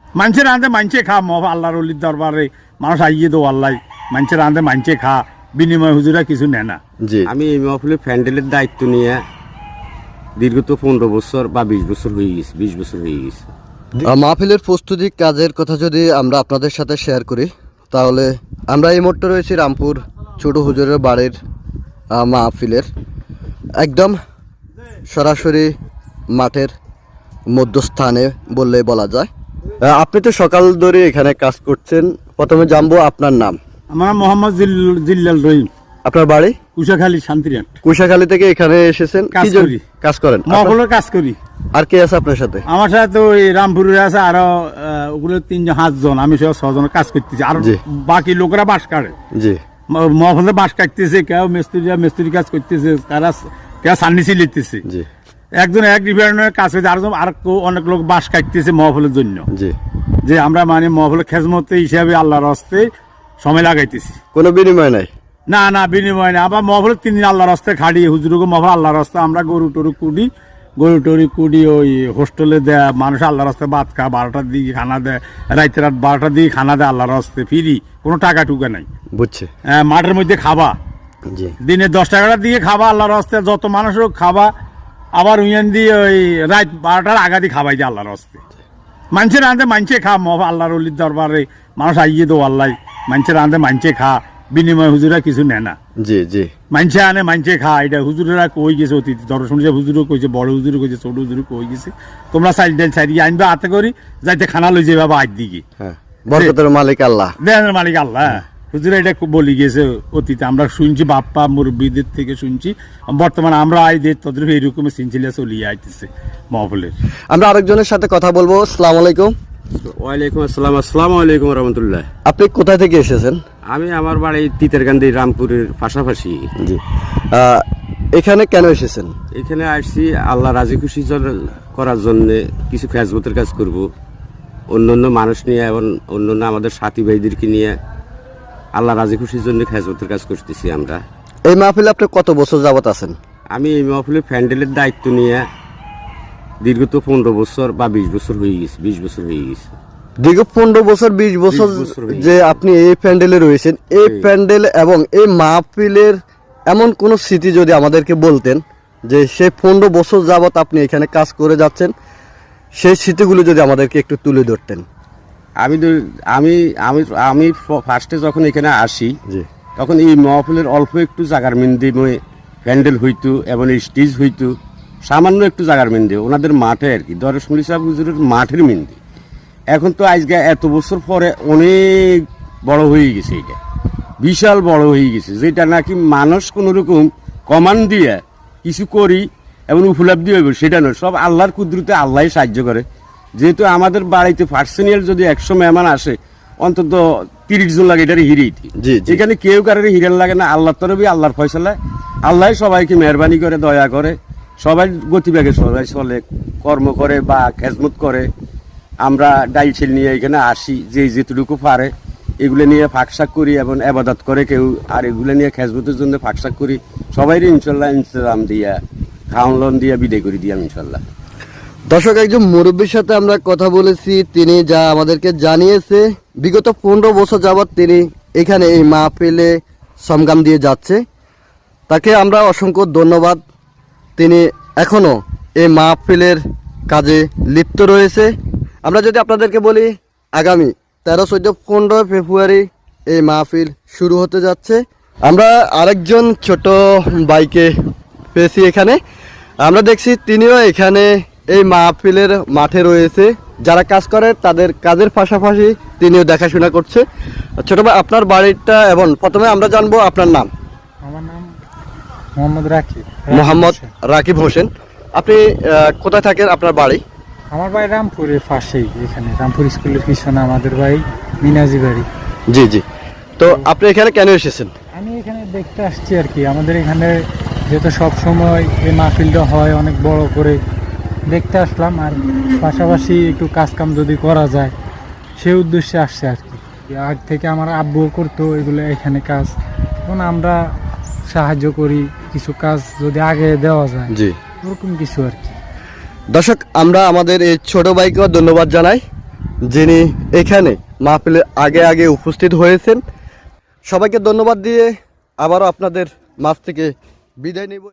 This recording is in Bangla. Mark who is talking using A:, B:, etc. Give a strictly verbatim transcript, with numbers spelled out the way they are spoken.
A: মানুষের আনতে মানছে খা মহ আল্লাহর অলির দরবারে মানুষ আইয়ে দো আল্লাহ মানুষের আনতে মানছে খা বিনিময় হুজুরা কিছু নেয় না।
B: জি
C: আমি এই মাহফিলের প্যান্ডেলের দায়িত্ব নিয়ে দীর্ঘত পনেরো বছর বা বিশ বছর হয়ে গেছে বিশ বছর হয়ে গেছে।
B: মাহফিলের প্রস্তুতি কাজের কথা যদি আমরা আপনাদের সাথে শেয়ার করি তাহলে আমরা এই মুহূর্তে রয়েছি রামপুর ছোট হুজুরের বাড়ির আহ, মাহফিলের একদম সরাসরি মাঠের মধ্যস্থানে বললে বলা যায়। আহ, আপনি তো সকাল ধরে এখানে কাজ করছেন, প্রথমে জানবো আপনার নাম।
A: আমার মোহাম্মদ জিল- জিল্লাল রহিম,
B: আপনার বাড়ি
A: কুশাখালী শান্তিরাট।
B: কুশাখালী থেকে এখানে এসেছেন
A: কাজ
B: কি জন্য?
A: করি।
B: কাজ করেন আপনার-
A: মহফলের কাজ করি।
B: আর কে আছে আপনার সাথে?
A: আমার সাথে তো এই রামপুরের আছে আরো আহ, ওগুলো তিনজন সাতজন, আমি সহ ছজনের কাজ করতেছি আর
B: জি।
A: বাকি লোকেরা বাঁশ কাটে
B: জি
A: মহফলে বাঁশ কাটতেছে, কেউ মিস্ত্রিরা মিস্ত্রি কাজ করতেছে, তারা কেউ সান্নিসি লিখতেছে।
B: জি
A: একজন এক ডিপার্টমেন্টের কাজ করছে, আর আর কেউ- অনেক লোক বাঁশ কাটতেছে মহফলের জন্য।
B: জি
A: যে আমরা মানে মহফলের খেজমত হিসাবে আল্লাহর হস্তে সময় লাগাইতেছি।
B: কোনো বিনিময় নাই?
A: না না বিনিময় না, আবার মহফলের তিন দিন আল্লাহর হস্তে খাড়ি হুজুরকে মহফল আল্লাহর হস্তে আমরা গরু টরু কুড়ি গরু টরু কুড়ি ওই হোস্টেলে দেয় মানুষ আল্লাহর হস্তে ভাত খা, বারোটার দিকে খানা দেয়, রাইতে রাত বারোটার দিকে খানা দেয় আল্লাহর হস্তে ফিরি, কোনো টাকা টুকা নাই।
B: বুঝছে।
A: আহ, মাঠের মধ্যে খাবা,
B: জি
A: দিনে দশ টাকাটার দিকে খাবা আল্লাহর হস্তে, যত মানুষ হোক খাবা, আবার উইয়ান দিয়ে ওই রাত বারোটার আগা দিয়ে খাবাই যায় আল্লাহর হস্তে। মানুষের আনতে মানছে খা মহ আল্লাহর অলির দরবারে মানুষ আইয়ে দো আল্লাহ মানুষের আনতে মানছে খা বিনিময় হুজুরা কিছু নেয় না।
B: জি জি
A: মানছে আনে মানছে খা, এটা হুজুরেরা কই গেছে অতীত দর্শন হুজুরও কইছে, বড় হুজুরও কইছে, ছোট হুজুরও কই গেছে, তোমরা চাইল ডাইল চাইরিয়ে আনবে হাতে করি যাইতে খানা লই যাবে বাবা আজ দিকে।
B: হ্যাঁ বরকতের মালিক আল্লাহ,
A: দেনের মালিক আল্লাহ। হুজুরা এটা খুব বলি গেছে অতীতে, আমরা শুনছি বাপ্পা মুরব্বীদের থেকে শুনছি, বর্তমানে আমরা আই দিয়ে তাদের এইরকম সিনসিলা চলিয়ে আইতেছে মহফলের।
B: আমরা আরেকজনের সাথে কথা বলবো। আসসালামু আলাইকুম।
C: ওয়ালাইকুম আসসালাম। আসসালামু আলাইকুম রহমতুল্লাহ।
B: আপনি কোথায় থেকে এসেছেন?
C: আমি আমার বাড়ি তিতেরকান্দি রামপুরের পাশাপাশি।
B: জি আহ, এখানে কেন এসেছেন?
C: এখানে আসছি আল্লাহ রাজি খুশি জন- করার জন্য কিছু খেজমতের কাজ করব, অন্য অন্য মানুষ নিয়ে এবং অন্য অন্য আমাদের সাথী ভাইদেরকে নিয়ে আল্লাহ রাজি খুশির জন্য খেজমতের কাজ করতেছি আমরা।
B: এই মাহফিলে আপনি কত বছর যাবত আছেন?
C: আমি এই মাহফিলের প্যান্ডেলের দায়িত্ব নিয়ে দীর্ঘত পনেরো বছর বা বিশ বছর হয়ে গেছে বিশ বছর হয়ে গেছে।
B: দীর্ঘ পনেরো বছর বিশ বছর
C: বিশ বছর হয়ে
B: যে আপনি এই প্যান্ডেলে রয়েছেন, এই
C: জি।
B: প্যান্ডেল এবং এই মাহফিলের এমন কোন স্মৃতি যদি আমাদেরকে বলতেন যে সেই পনেরো বছর যাবত আপনি এখানে কাজ করে যাচ্ছেন, সেই স্মৃতিগুলো যদি আমাদেরকে একটু তুলে ধরতেন।
C: আমি তো- আমি আমি আমি ফার্স্টে যখন এখানে আসি
B: জি
C: তখন এই মহফিলের অল্প একটু জাগার মিন্দি প্যান্ডেল হইতো এবং স্টেজ হইতো, সামান্য একটু জাগার মিন্দি ওনাদের মাঠে আর কি দরসমুলি সাহেব হুজুরের মাঠের মিন্দি। এখন তো আজকে এত বছর পরে অনেক বড় হয়ে গেছে, এটা বিশাল বড় হয়ে গেছে, যেটা নাকি মানুষ কোনো রকম কমান্ড দিয়ে কিছু করি এবং উপলব্ধি হইব সেটা নয়, সব আল্লাহর কুদরতে আল্লাহ সাহায্য করে। যেহেতু আমাদের বাড়িতে পার্সোনাল যদি একশো মেহমান আসে অন্তত তিরিশ জন লাগে এটার হিরেই,
B: জি, জি।
C: এখানে কেউ কারোর হিরেন লাগে না, আল্লাহর তরফে আল্লাহর ফয়সালায় আল্লাহ সবাইকে মেহরবানি করে দয়া করে, সবাই গতিবেগে সবাই চলে কর্ম করে বা খেজমত করে। আমরা ডাইল নিয়ে এখানে আসি, যে যেটুকু পারে এগুলো নিয়ে ফাঁকশাক করি এবং আবাদত করে কেউ, আর এগুলো নিয়ে খেজমতের জন্য ফাঁকশাক করি, সবাই ইনশাল্লাহ ইনস্তাম দিয়া খাওয়ান লোন দিয়ে বিদায় করে দিয়াম ইনশাল্লাহ।
B: দর্শক, একজন মুরব্বীর সাথে আমরা কথা বলেছি, তিনি যা আমাদেরকে জানিয়েছে বিগত পনেরো বছর যাবৎ তিনি এখানে এই মাহফিলে সমগাম দিয়ে যাচ্ছে। তাকে আমরা অসংখ্য ধন্যবাদ। তিনি এখনো এই মাহফিলের কাজে লিপ্ত রয়েছে। আমরা যদি আপনাদেরকে বলি, আগামী তেরো চোদ্দ পনেরো ফেব্রুয়ারি এই মাহফিল শুরু হতে যাচ্ছে। আমরা আরেকজন ছোট বাইকে পেয়েছি এখানে, আমরা দেখছি তিনিও এখানে এই মাহফিলের মাঠে রয়েছে। যারা কাজ করে তাদের কাজের পাশাপাশি তিনিও দেখাশোনা করছে। ছোট ভাই, আপনার বাড়িটা এবং প্রথমে আমরা জানবো আপনার নাম।
D: আমার নাম মোহাম্মদ রাকিব।
B: মোহাম্মদ রাকিব হোসেন। আপনি আহ, কোথায় থাকেন? আপনার বাড়ি?
D: আমার বাড়ি রামপুরের পাশেই, এখানে রামপুর স্কুলের পিছনে আমাদের বাড়ি, মিনাজি বাড়ি।
B: জি জি। তো আপনি এখানে কেন এসেছেন?
D: আমি এখানে দেখতে আসছি আর কি, আমাদের এখানে যেহেতু সব সময় এই মাহফিলটা হয় অনেক বড় করে, দেখতে আসলাম। আর পাশাপাশি একটু কাজ কাম যদি করা যায় সেই উদ্দেশ্যে আসছে আর কি। আগ থেকে আমার আব্বু করতো এগুলো এখানে কাজ, এখন আমরা সাহায্য করি, কিছু কাজ যদি আগে দেওয়া যায়
B: জি।
D: ওরকম কিছু আর কি।
B: দর্শক, আমরা আমাদের এই ছোট ভাইকেও ধন্যবাদ জানাই। যিনি এখানে মাহফিলের আগে আগে উপস্থিত হয়েছেন। সবাইকে ধন্যবাদ দিয়ে আবারও আপনাদের মাঝ থেকে বিদায় নেব।